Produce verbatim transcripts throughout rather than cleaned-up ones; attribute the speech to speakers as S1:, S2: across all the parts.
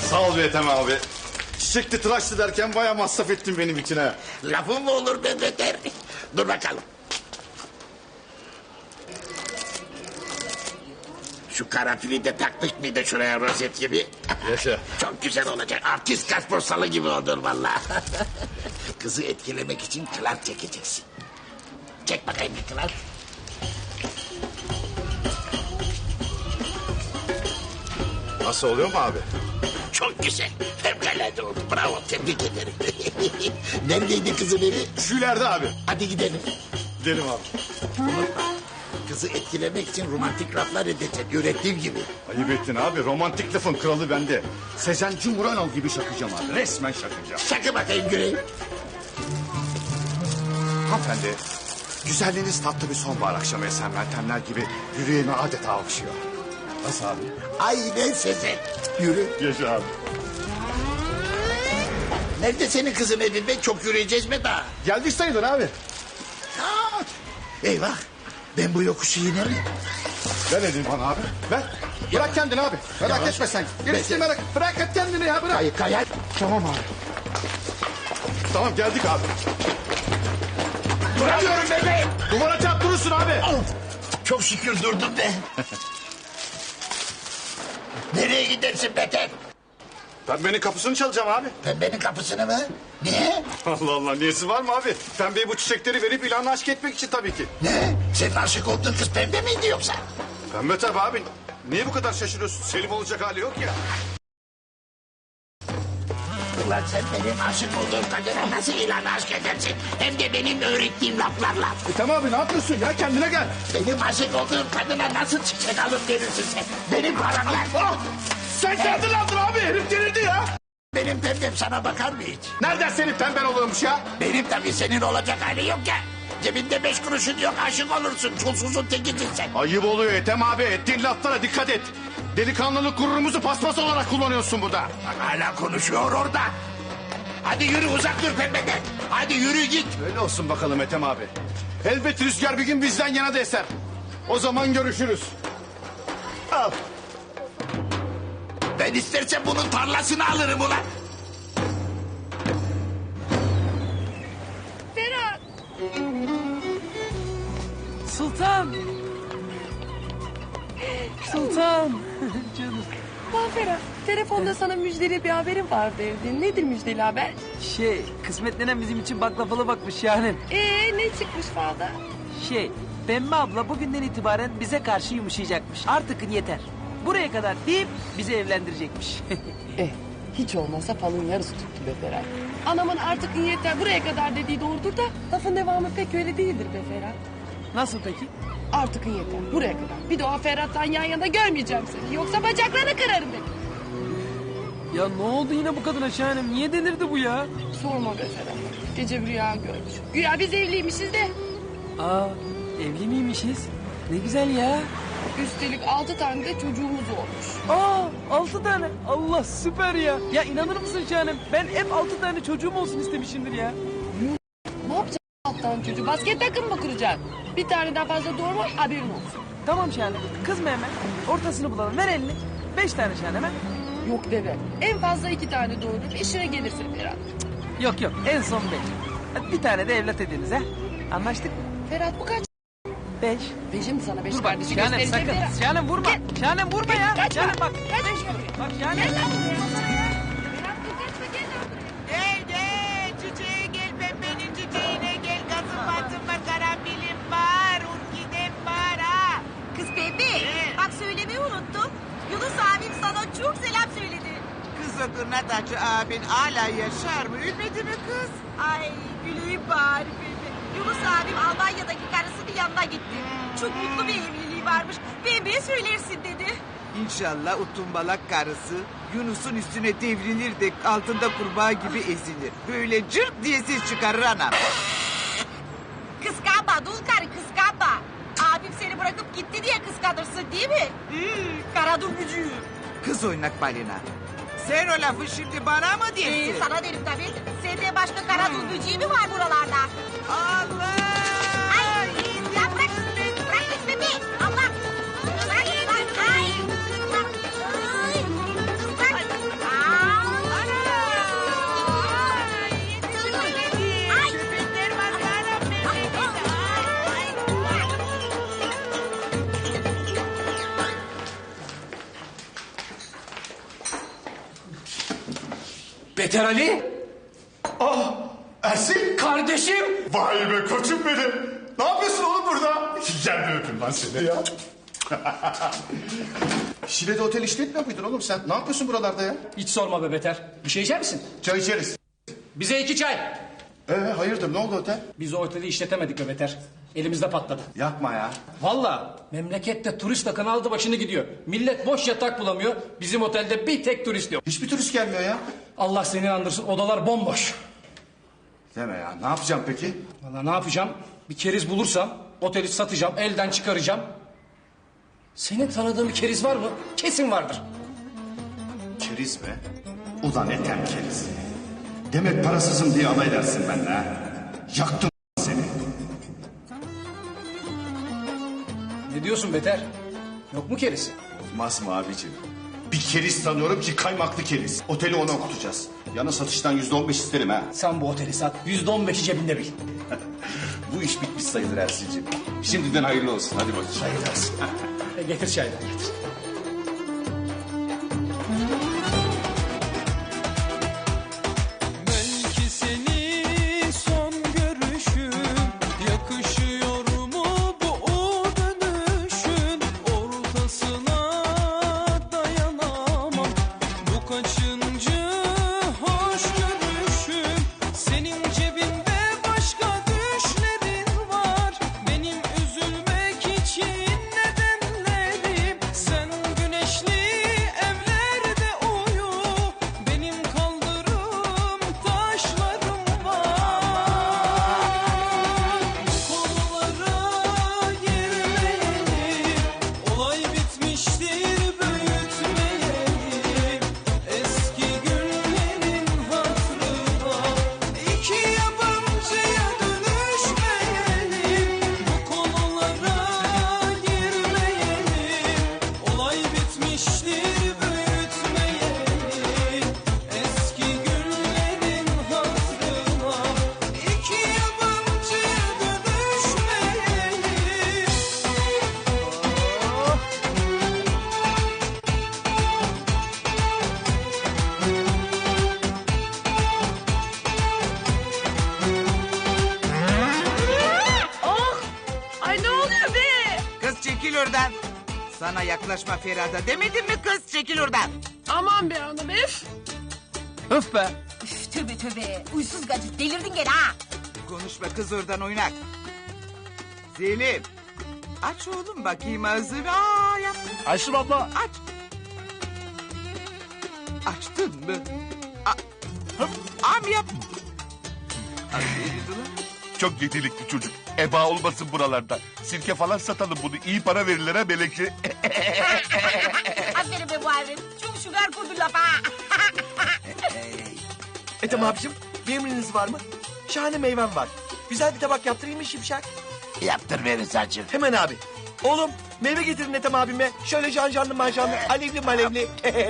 S1: Sağ ol Ethem abi. Çiçekli tıraşlı derken bayağı masraf ettin benim için ha.
S2: Lafın mı olur be beter? Dur bakalım. Şu karanfili de taktık mıydı şuraya rozet gibi?
S1: Yaşa.
S2: Çok güzel olacak. Artist kasposalı gibi olur vallahi. Kızı etkilemek için kılar çekeceksin. Çek bakayım bir kılar.
S1: Nasıl oluyor mu abi?
S2: Çok güzel. Fevkalade oldu. Bravo. Tebrik ederim. Neredeydi kızın evi?
S1: Şu ileride abi.
S2: Hadi gidelim.
S1: Gidelim abi.
S2: Unutma. Kızı etkilemek için romantik laflar edecek. Öğrettiğim gibi.
S1: Ayıp ettin abi. Romantik lafın kralı bende. Sezen Cumhuranoğlu gibi şakacağım abi. Resmen şakacağım.
S2: Şakı bakayım Güney.
S1: Hanımefendi, güzelliğiniz tatlı bir sonbahar akşamı esen meltemler gibi yüreğime adeta okşuyor. Nasıl abi?
S2: Aynen Sezen. Yürü.
S1: Yaşa abi.
S2: Nerede senin kızın evi be? Çok yürüyeceğiz mi daha?
S1: Geldik sayılır abi.
S2: Aa, eyvah. Ben bu yokuşu inerim.
S1: Ver elini bana abi. Ver. Bırak kendini abi. Merak
S2: Yavaş.
S1: etme sen.
S2: Bekle.
S1: Gerisi merak. Bırak et kendini ya bırak.
S2: Kay kayar.
S1: Tamam abi. Tamam geldik abi.
S2: Duramıyorum bebeğim.
S1: Duvara çarp durursun abi.
S2: Çok şükür durdum be. Nereye gidersin beter?
S1: Pembenin kapısını çalacağım abi.
S2: Pembenin kapısını mı? Niye?
S1: Allah Allah niyesi var mı abi? Pembeye bu çiçekleri verip ilanla aşk etmek için tabii ki.
S2: Ne? Senin aşık olduğun kız pembe miydi yoksa?
S1: Pembe tabii abi. Niye bu kadar şaşırıyorsun? Selim olacak hali yok ya.
S2: Ulan sen benim aşık olduğum kadına nasıl ilan aşk edersin? Hem de benim öğrettiğim laflarla.
S1: Ethem abi ne yapıyorsun ya? Kendine gel.
S2: Benim aşık olduğum kadına nasıl çiçek alıp verirsin sen? Benim paramla.
S1: Ah! Sen kendin aldın abi. Herif delirdi ya.
S2: Benim pembem sana bakar mı hiç?
S1: Nereden senin pemben oluyormuş ya?
S2: Benim tabii senin olacak hali yok ya. Cebinde beş kuruşun yok aşık olursun. Çulsuzun tekisin sen.
S1: Ayıp oluyor Ethem abi. Ettiğin laflara dikkat et. Delikanlılık gururumuzu paspas olarak kullanıyorsun burada.
S2: Bak hala konuşuyor orada. Hadi yürü uzak dur pembeden. Hadi yürü git.
S1: Öyle olsun bakalım Ethem abi. Elbet rüzgar bir gün bizden yana da eser. O zaman görüşürüz. Al.
S2: Ben istersen bunun tarlasını alırım ulan.
S3: Ferhat. Sultan. Sultan. Canım. Lan Ferhat, telefonda sana müjdeli bir haberim var derdin. Nedir müjdeli haber?
S4: Şey, kısmet nenen bizim için baklavalı bakmış yani.
S3: Ee, ne çıkmış falda?
S4: Şey, Pembe abla bugünden itibaren bize karşı yumuşayacakmış. Artık yeter. Buraya kadar deyip bizi evlendirecekmiş.
S3: Eh, hiç olmasa falın yarısı tuttu be Ferhat. Anamın artık yeter buraya kadar dediği doğrudur da... ...lafın devamı pek öyle değildir be Ferhat.
S4: Nasıl peki?
S3: Artık yeter buraya kadar. Bir de o Ferhat'tan yan yana görmeyeceğim seni. Yoksa bacaklarını kırarım dedim.
S4: Ya ne oldu yine bu kadına Şahanem? Niye delirdi bu ya?
S3: Sorma be Ferhat. Gece bir rüya görmüş. Güya biz evliymişiz de...
S4: Aa, evli miymişiz? Ne güzel ya.
S3: Üstelik altı tane de çocuğumuz olmuş.
S4: Aa, altı tane. Allah süper ya. Ya inanır mısın Şahanem? Ben hep altı tane çocuğum olsun istemişimdir ya.
S3: Ne yapacaksın alttan çocuğu? Basket takım mı kuracaksın? Bir tane daha fazla doğurma haberin olsun.
S4: Tamam Şahanem. Kızma hemen. Ortasını bulalım. Ver elini. Beş tane Şahanem ha.
S3: Yok deve. En fazla iki tane doğurur. İşine gelirse Ferhat.
S4: Yok yok. En son beş. Hadi bir tane de evlat ediniz ha. Anlaştık mı?
S3: Ferhat bu kaç?
S4: Beş.
S3: Beşim sana beş
S4: Dur bak
S3: kardeşi
S4: Şahanem
S3: göstereceğim
S4: sakın.
S3: Ferhat.
S4: Şahanem vurma.
S3: Gel.
S4: Şahanem vurma ya.
S3: Kaçma.
S4: Şahanem bak.
S3: Kaçma şuraya.
S4: Bak Şahanem.
S3: Gel lan buraya. Ferhat dur kaçma gel lan buraya.
S5: Gel gel çiçeğe gel pembenin çiçeğine gel kazım batım var karanfilim var orkidem var ha.
S6: Kız Pembe, bak söylemeyi unuttum. Yunus abim sana çok selam söyledi.
S5: Kız o kırnatacı abin hala yaşar mı ölmedi mi kız?
S6: Ay güleyim bari Pembe. Yunus abim Almanya'daki karısının yanına gitti. Çok mutlu bir evliliği varmış. Pembe'ye söylersin dedi.
S5: İnşallah o tumbalak karısı Yunus'un üstüne devrilir de altında kurbağa gibi ezilir. Böyle cırt diye ses çıkarır anam.
S6: Kıskanma dul karı kıskanma. Abim seni bırakıp gitti diye kıskanırsın değil mi? Hmm, kara durmucu.
S5: Kız oynak balina. Sen o lafı şimdi bana mı diyorsun?
S6: Ee, sana derim tabii. Sende başka kara durmucu mi var buralarda?
S5: Allah!
S6: Ay, ya bırak. Bırak kız Pembe. Allah. Bırak, bırak. Ay. Bırak. Ay. Bırak.
S7: Beter Ali.
S1: Ah Ersin.
S7: Kardeşim.
S1: Vay be koçum benim. Ne yapıyorsun oğlum burada? Gel bir öpeyim lan seni ya. Şile'de otel işletmiyor muydun oğlum sen? Ne yapıyorsun buralarda ya?
S7: Hiç sorma be Beter. Bir şey içer misin?
S1: Çay içeriz.
S7: Bize iki çay.
S1: Ee hayırdır ne oldu otel?
S7: Biz o oteli işletemedik be Beter. Elimizde patladı.
S1: Yapma ya.
S7: Vallahi memlekette turist akını aldı başını gidiyor. Millet boş yatak bulamıyor. Bizim otelde bir tek turist yok.
S1: Hiçbir turist gelmiyor ya.
S7: Allah seni inandırsın, odalar bomboş.
S1: Deme ya. Ne yapacağım peki?
S7: Vallahi ne yapacağım? Bir keriz bulursam oteli satacağım, elden çıkaracağım. Senin tanıdığın bir keriz var mı? Kesin vardır.
S1: Keriz mi? Ulan etem keriz. Demek parasızım diye alay edersin benimle ha. Yaktım seni.
S7: Ne diyorsun Beter? Yok mu keriz?
S1: Olmaz mı abicim? Bir keriz tanıyorum ki kaymaklı keriz. Oteli ona okutacağız. Yana satıştan yüzde on beş isterim ha.
S7: Sen bu oteli sat, yüzde on beşi cebinde bil.
S1: Bu iş bitmiş sayılır Ersin'ciğim. Şimdiden hayırlı olsun. Hadi bakayım. Hayırlı olsun.
S7: E, getir çayları getir.
S8: Belki seni son görüşüm yakışıyor mu bu o dönüşün ortasına dayanamam bu kaçıncı hoş görüşüm senin cebinde başka düşlerin var benim üzülmek için nedenlerim sen güneşli evlerde uyu benim kaldırım taşlarım var bu konulara girmeyelim olay bitmiştir büyütmeyelim eski günlerin hatırına iki yabancıya dönüşmeyelim bu konulara girmeyelim olay bitmiştir büyütmeyelim eski günlerin hatırına iki yabancıya dönüşmeyelim.
S6: Ay ne oluyor be?
S5: Kız çekil oradan. Sana yaklaşma Ferhat'a demedim mi kız çekil oradan.
S3: Aman be hanım öf.
S4: Öf be.
S6: Üf, tövbe tövbe. Uysuz gacı delirdin gene ha.
S5: Konuşma kız oradan oynak. Selim. Aç oğlum bakayım ağzını. Aa yap.
S1: Ayşem abla.
S5: Aç. Açtın mı? A Hıp, Am yap. Aferin ulan.
S9: Çok yetenekli çocuk. Eba olmasın buralarda. Sirke falan satalım bunu. İyi para verirler ha melekçe.
S6: Aferin be Muharrem. Çok şugar kurdu lafa.
S10: Ethem abicim bir emriniz var mı? Şahane meyvem var. Güzel bir tabak yaptırayım mı Şipşak?
S2: Yaptır be Rıza'cığım.
S10: Hemen abi. Oğlum meyve getirin Ethem abime. Şöyle janjanlı manjanlı, alevli malevli.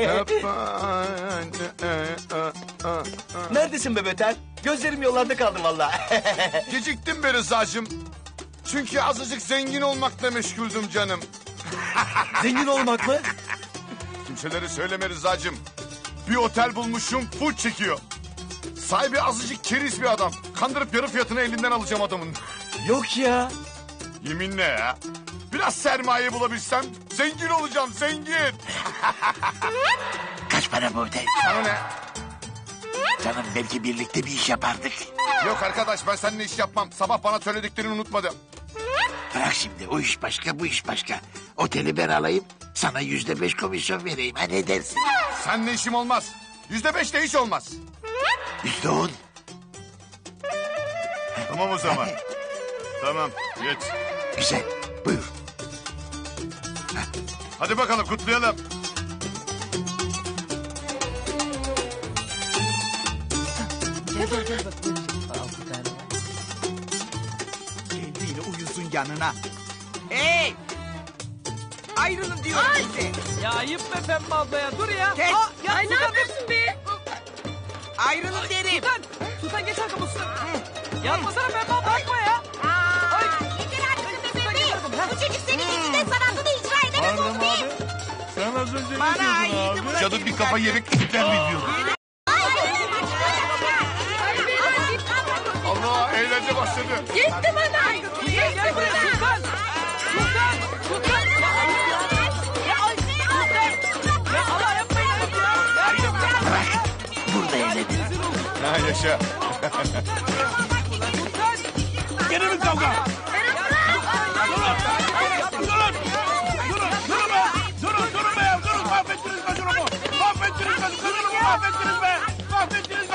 S10: Neredesin be Beter? Gözlerim yollarda kaldı vallahi.
S9: Geciktim be Rıza'cığım. Çünkü azıcık zengin olmakla meşguldüm canım.
S10: Zengin olmak mı?
S9: Kimselere söyleme Rıza'cığım. Bir otel bulmuşum full çekiyor. Sahibi azıcık keriz bir adam. Kandırıp yarı fiyatını elinden alacağım adamın.
S10: Yok ya.
S9: Yeminle ya. Biraz sermaye bulabilsem zengin olacağım zengin.
S2: Kaç para bu otel?
S9: Sana ne?
S2: Canım belki birlikte bir iş yapardık.
S9: Yok arkadaş ben seninle iş yapmam. Sabah bana söylediklerini unutmadım.
S2: Bırak şimdi o iş başka bu iş başka. Oteli ben alayım sana yüzde beş komisyon vereyim ha ne dersin?
S9: Seninle işim olmaz. Yüzde beş de hiç olmaz.
S2: Yüzde on.
S9: Tamam o zaman. Tamam geç.
S2: Güzel buyur.
S9: Hadi bakalım kutlayalım.
S5: Geldi yine uyusun yanına. Hey! Ayrılın diyorum size.
S4: Ya ayıp be Pembe abla ya, dur ya.
S5: Kes.
S4: Aa, ya
S6: Ay ne
S4: Sultan,
S6: yapıyorsun be?
S5: Ayrılın derim.
S4: Sultan, Sultan geç arkamı Sultan. Yapmasana Pembe abla, bakma ya.
S6: Aa, yeter artık be bebeğim. Bu çocuk senin yüzünden sanatını icra edemez oldu be.
S9: Sen az önce
S5: Bana iyiydi bu.
S9: Canım bir kafa yemek ister mi diyor.
S6: Ay,
S9: Aha eğlence başladı.
S6: Gitti bana.
S4: Gel gel buraya Sultan. Sultan. Sultan. Ya ay, ya ay, Sultan. Ya Allah yapmayın ya.
S10: Burada eğlenelim.
S9: Ha yaşa.
S11: Gene mi kavga? Durun! Durun! Durun! Durun be! Durun! Durun be! Durun! Mahvettiniz be durumu! Mahvettiniz be! Durumu mahvettiniz be! Mahvettiniz